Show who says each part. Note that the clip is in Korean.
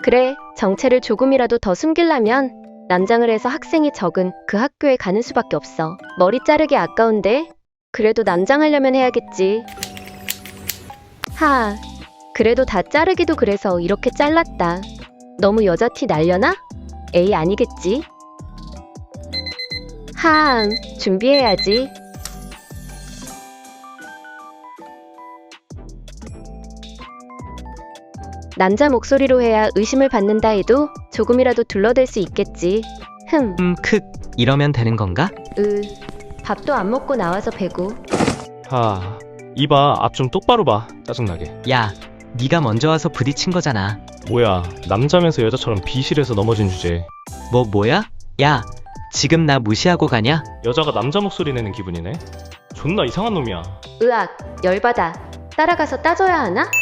Speaker 1: 그래, 정체를 조금이라도 더 숨기려면 남장을 해서 학생이 적은 그 학교에 가는 수밖에 없어. 머리 자르기 아까운데? 그래도 남장하려면 해야겠지. 하, 그래도 다 자르기도 그래서 이렇게 잘랐다. 너무 여자 티 날려나? 에이, 아니겠지. 하, 준비해야지. 남자 목소리로 해야 의심을 받는다 해도 조금이라도 둘러댈 수 있겠지.
Speaker 2: 이러면 되는 건가?
Speaker 1: 밥도 안 먹고 나와서 배고.
Speaker 3: 이봐, 앞 좀 똑바로 봐. 짜증나게.
Speaker 2: 야, 네가 먼저 와서 부딪힌 거잖아.
Speaker 3: 뭐야, 남자면서 여자처럼 비실해서 넘어진 주제.
Speaker 2: 뭐야? 야, 지금 나 무시하고 가냐?
Speaker 3: 여자가 남자 목소리 내는 기분이네. 존나 이상한 놈이야.
Speaker 1: 으악, 열받아. 따라가서 따져야 하나?